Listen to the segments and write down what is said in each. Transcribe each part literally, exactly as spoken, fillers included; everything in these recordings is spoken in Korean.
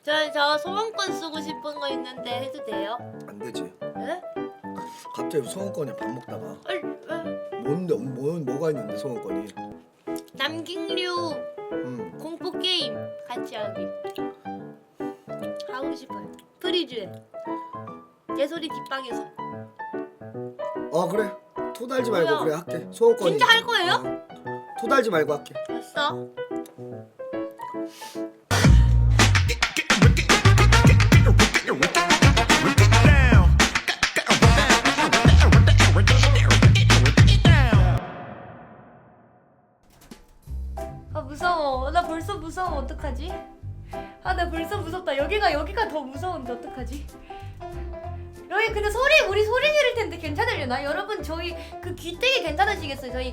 저, 저 소원권 쓰고 싶은 거 있는데 해도 돼요? 안 되지. 네? 갑자기 소원권이 밥 먹다가 얼, 어, 뭔데 뭐 뭐가 있는데 소원권이? 남경류 음. 공포 게임 같이 하기 하고 싶어요. 프리즈에 내 소리 뒷방에서. 어 그래. 토달지 말고 뭐야? 그래 할게. 소원권이. 진짜 할 거예요? 어. 토달지 말고 할게. 됐어. 아 무서워. 나 벌써 무서워. 어떡하지? 아 나 벌써 무섭다. 여기가 여기가 더 무서운데 어떡하지? 여기 근데 소리 우리 소리 지를 텐데 괜찮으려나? 여러분 저희 그 귀때기 괜찮으시겠어요? 저희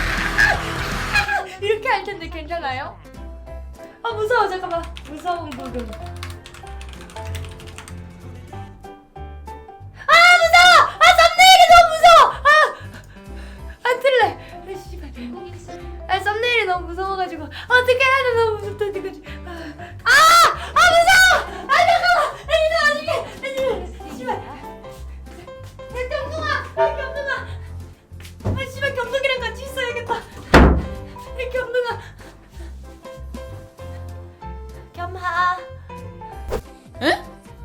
이렇게 할 텐데 괜찮아요? 아 무서워. 잠깐만. 무서운 부금. 아 무서워. 아 썸네일이 너무 무서워. 아안 틀래. 아 씨발. 아 썸네일이 너무 무서워가지고 어떻게 해야 돼? 너무 무섭다 이거지. 아, 아 무서워! 아 잠깐만! 아 이거 나중에! 씨발! 야 경동아! 야 경동아! 아 씨발 경동이랑 같이 있어야겠다. 야 경동아! 겸하. 에?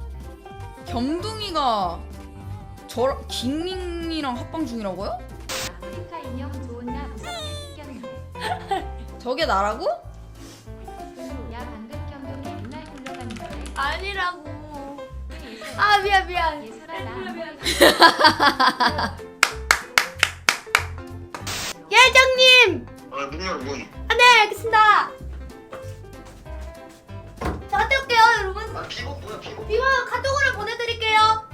겸둥이가 저랑 깅링이랑 합방 중이라고요? 아프리카 인형 좋은나 무섭게 생겼네. 저게 나라고? 야 방금 경동이 맨날 굴러가는데 아니라고. 아 미안 미안. 예술아 나 미안, 미안. 한번 예정님! 아, 문열 문. 아 네 알겠습니다. 자 갔다 올게요 여러분. 아, 비고 뭐야, 비고? 비와 카톡으로 보내드릴게요.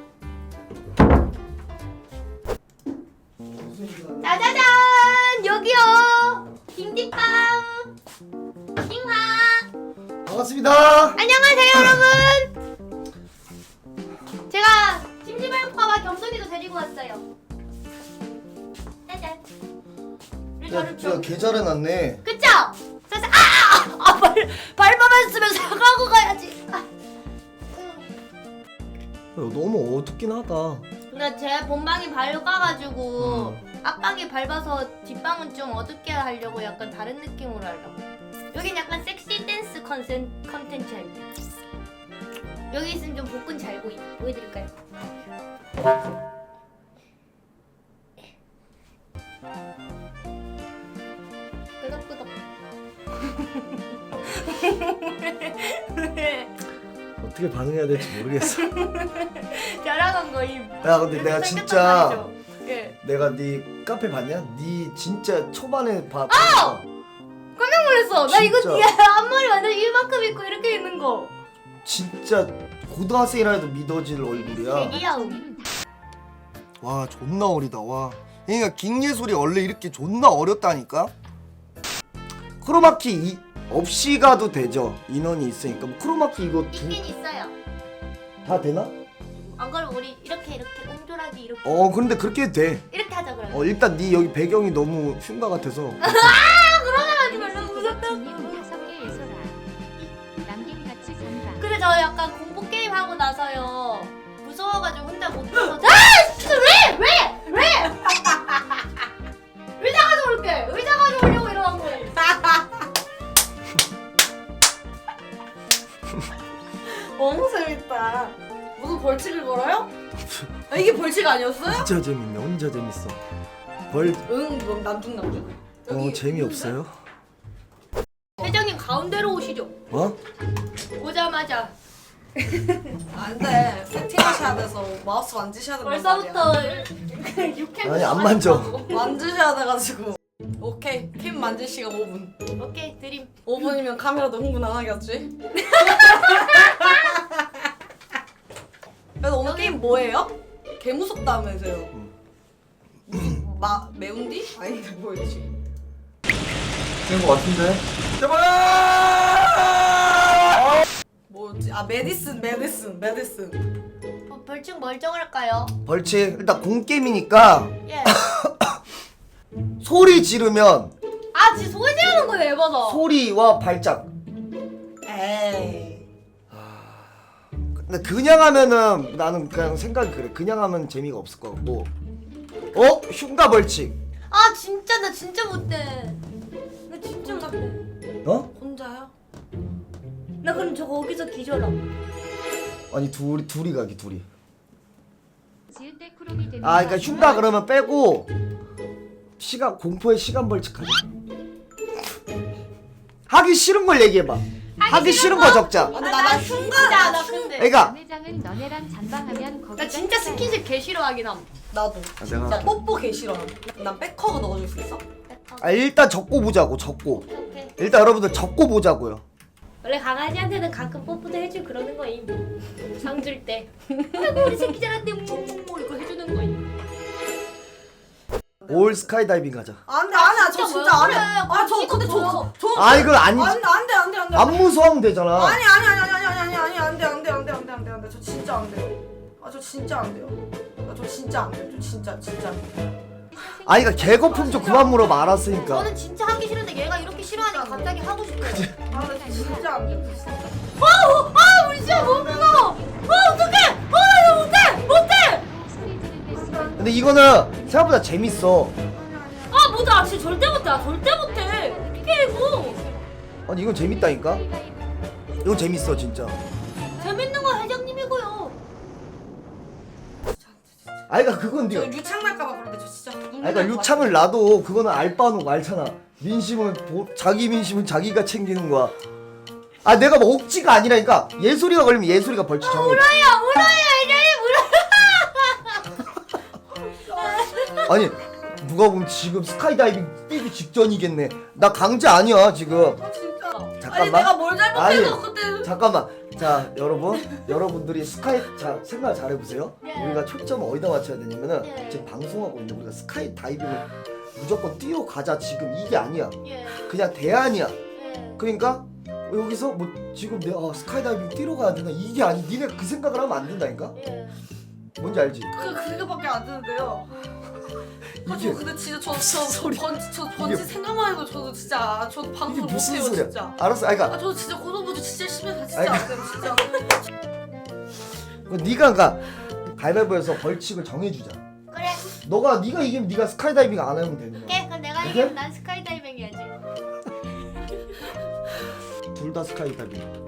짜자잔 여기요. 딩딩빵 딩하. 반갑습니다. 안녕하세요 여러분. 제가 심심할까봐 겸손이도 데리고 왔어요. 짜잔. 우리 야, 저를 진짜 좀 개 잘해놨네. 그쵸? 짜잔. 아아아 아, 아, 발 발바만 쓰면 사과하고 가야지. 아. 야, 너무 어둡긴 하다. 근데 제 본방이 발로 까가지고 음. 앞방이 밟아서 뒷방은 좀 어둡게 하려고 약간 다른 느낌으로 하려고. 여긴 약간 섹시 댄스 컨센, 컨텐츠 할 때. 여기 있으면 좀 복근 잘 보이, 보여드릴까요? 끄덕끄덕. 어떻게 반응해야 될지 모르겠어. 자랑한 거임. 야 근데 내가 진짜 예. 내가 네 카페 봤냐? 네 진짜 초반에 봐. 아! 깜짝 놀랐어. 나 이거 진짜. 뒤에 앞머리 완전 이만큼 있고 이렇게 있는 거. 진짜 고등학생이라도 믿어질 얼굴이야. 귀여움. 와 존나 어리다. 와. 그러니까 깅예술이 원래 이렇게 존나 어렵다니까. 크로마키 이, 없이 가도 되죠. 인원이 있으니까. 뭐 크로마키 이거 두, 있긴 있어요. 다 되나? 안 그러면 우리 이렇게 이렇게 옹졸하게 이렇게 어 근데 그렇게 해도 돼. 이렇게 하자 그러면. 어 일단 네 여기 배경이 너무 흉가 같아서. 아 그러면 하지 말라고 무섭다고. 진님 다섯 개 예술아. 남긴 같이 잔다. 근데 저 약간 공포 게임 하고 나서요 무서워가지고 혼자 못 들어서. 아 진짜 왜 왜 왜? 의자 가져올게. 의자 가져오려고 일어난 거예요. 너무 재밌다. 무슨 벌칙을 걸어요? 아, 이게 벌칙 아니었어요? 진짜 재밌네. 혼자 재밌어. 벌. 응, 뭐 남중남중. 어 재미없어요? 회장님 가운데로 오시죠. 어? 오자마자 안돼. 세팅하셔야 돼서 마우스 만지셔야 된단 벌써부터 말이야. 육회. 아니 안 만져. 만지셔야 돼가지고. 오케이. 캠 만질 시간 오 분. 오케이 드림. 오 분이면 카메라도 흥분 안 하겠지? 그래서 오늘 게임 뭐예요? 개 무섭다면서요. 마 매운디? 아닌데 뭐였지? 된 거 같은데? 제발! 뭐였지? 아 메디슨 메디슨 메디슨. 뭐 벌칙 뭘 정할까요? 벌칙 일단 공게임이니까 예. 소리 지르면 아 진짜 소리 지르는 거네 에바다. 소리와 발작. 에이. 아 근데 그냥 하면은 나는 그냥 생각이 그래. 그냥 하면 재미가 없을 것 같고. 어? 흉가 벌칙. 아 진짜 나 진짜 못해. 나 진짜 못해. 어? 혼자요? 나 그럼 저 거기서 기절함. 아니 둘이 둘이 가기 둘이. 지을 때 크롬이 되는 아 그러니까 흉가 그러면 빼고 시간 공포의 시간 벌칙하자. 하기 싫은 걸 얘기해봐. 하기 싫은 거 적자. 아, 근데 나나 흉가 나 근데. 그러니까 남회장은 너네랑 잔방하면 거기가 나 진짜 스킨십 개 싫어하긴 함. 나도. 아, 진짜 내가 뽀뽀 개 싫어. 난 백허그 넣어줄 수 있어? 아 일단 적고 보자고 적고. 오케이. 일단 여러분들 적고 보자고요. 원래 강아지한테는 가끔 뽀뽀도 해주고 그러는 거임. 상 줄 때. 아이고 우리 새끼 잘한데 뭐 이거 해주는 거임. 올 스카이다이빙 가자. 안돼 안돼 저 진짜 진짜 왜 안해. 그래? 아저 그거 근데 보여. 저저 아 이거 아니지. 안돼 안돼 안돼 안돼. 안 무서우면 되잖아. 아니 아니 아니 아니 아니 아니 아니 안돼 안돼 안돼 안돼 안돼 안돼 저 진짜 안 돼요. 아 저 진짜 안 돼요. 아 저 진짜 안 돼요. 저 진짜 진짜. 아니 그러니까 개거품 좀 그만 물어봐 알았으니까. 저는 진짜 하기 싫은데 얘가 이렇게 싫어하니까 갑자기 하고 싶어. 아나 진짜 안 돼. 진짜. 아우 아 우리 진짜 못 먹어. 아 어떡해. 아나 못해 못해. 스테이지는 됐으면 근데 이거는 생각보다 재밌어. 아 못해. 아 진짜 절대 못해. 아, 절대 못해. 어떻게 이거. 아니 이건 재밌다니까. 이건 재밌어 진짜. 재밌는 건 회장님이고요. 아니 그러니까 그건 저 네가. 유창 날까봐 그런데 저 진짜. 아니 그러니까 유창을 놔도 그거는 알바노 알잖아. 민심은 보, 자기 민심은 자기가 챙기는 거야. 아 내가 뭐 억지가 아니라니까. 예술이가 걸리면 예술이가 벌칙 정해. 울어요 울어요 회장님 울어요. 아니 누가 보면 지금 스카이다이빙 뛰기 직전이겠네. 나 강제 아니야 지금. 아 진짜. 잠깐만. 아니 내가 뭘 잘못해서 아니. 그때. 잠깐만. 자 여러분 여러분들이 스카이 자 생각 잘 해보세요. 네. 우리가 초점을 어디다 맞춰야 되냐면은 네. 지금 방송하고 있는데 우리가 스카이 다이빙을 무조건 뛰어가자 지금 이게 아니야. 예. 그냥 대안이야. 예. 그러니까 여기서 뭐 지금 내가 아, 스카이 다이빙 뛰러 가야 되나 이게 아니. 니네 그 생각을 하면 안 된다니까. 예. 뭔지 알지? 그 그거밖에 안 드는데요. 아, 이게 저 근데 진짜 저저 번지 저 번지 생각만 해도 저도 진짜 저도 이게 방송 못 무슨 해요 소리야? 진짜. 알았어. 아니, 아 그러니까 저도 진짜 고소부지 진짜 심해서 진짜 아니, 안 돼요 진짜. 네가 그러니까 가위바위보에서 벌칙을 정해주자. 그래. 너가 네가 이기면 네가 스카이 다이빙 안 하면 되는 거야. 오케이 그럼 내가 오케이? 이기면 난 스카이다이빙 해야지. 둘 다 스카이 다이빙.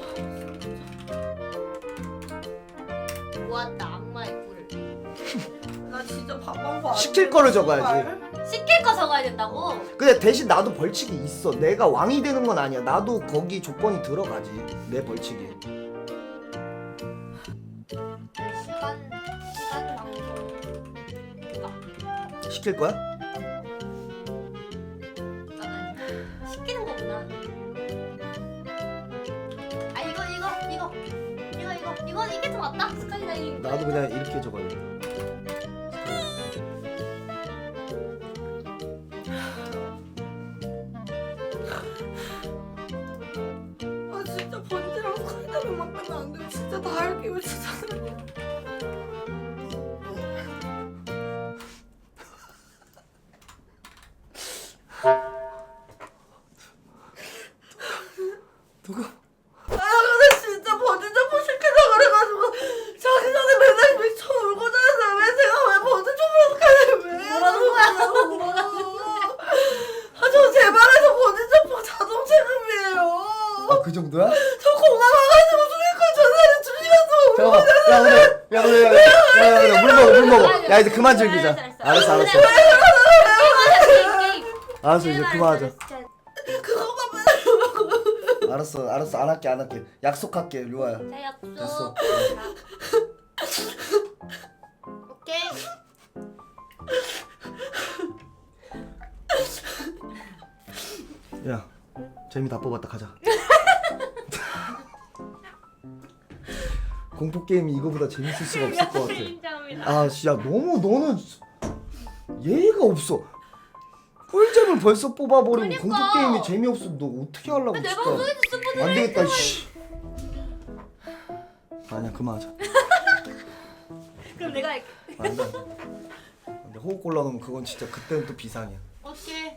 모았다 악마의 꿀을. 나 진짜 밥방구 안 시킬 돼, 거를 정말. 적어야지. 시킬 거 적어야 된다고? 근데 대신 나도 벌칙이 있어. 내가 왕이 되는 건 아니야. 나도 거기 조건이 들어가지. 내 벌칙이. 시간 시간 방송. 시킬 거야? 아, 시키는 거구나. 아 이거 이거 이거 이거 이거 이거 이게 더 맞다. 스카이다이빙. 나도 그냥 이렇게 적어야겠다. 아 진짜 번지랑 스카이다이빙만 빼면 안 돼요. 진짜 다 할게요 진짜. 누가? 아 근데 진짜 번지 점프 시키자 그래가지고 자기 전에 맨날 미쳐 울고 자는데 왜 제가 왜 번지 점프를 왜? 뭐라는 거야? 아저 제 말에서 번지 점프 자동 체급이에요. 아 그 정도야? 저 공항 와가지고 수익권 전화를 두 시간 동안 잠깐만. 야 그래. 야 그래. 야, 야, 야, 야, 물 먹어 물 먹어. 야 이제 그만 즐기자. 알았어 알았어. 알았어 이제 그만하자. 그거만 맨날 알았어 알았어 안 할게 안 할게. 약속할게 류아야. 자 약속. 됐어. 오케이. 야 재미 다 뽑았다 가자. 공포 게임이 이거보다 재밌을 수가 없을 것 같아. 인정합니다. 아 진짜 너무 너는 예의가 없어. 꿀잼을 벌써 뽑아버리고 그러니까. 공포 게임이 재미없어. 너 어떻게 하려고 내 진짜. 방송에서 스포츠. 안 되겠다 씨. 아니야 그만하자. 그럼 내가 할게. 안돼. 근데 호흡 골라놓으면 그건 진짜 그때는 또 비상이야. 오케이.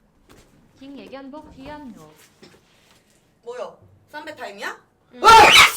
김예견복 귀염노 뭐요? 쌈배 타임이야? 아!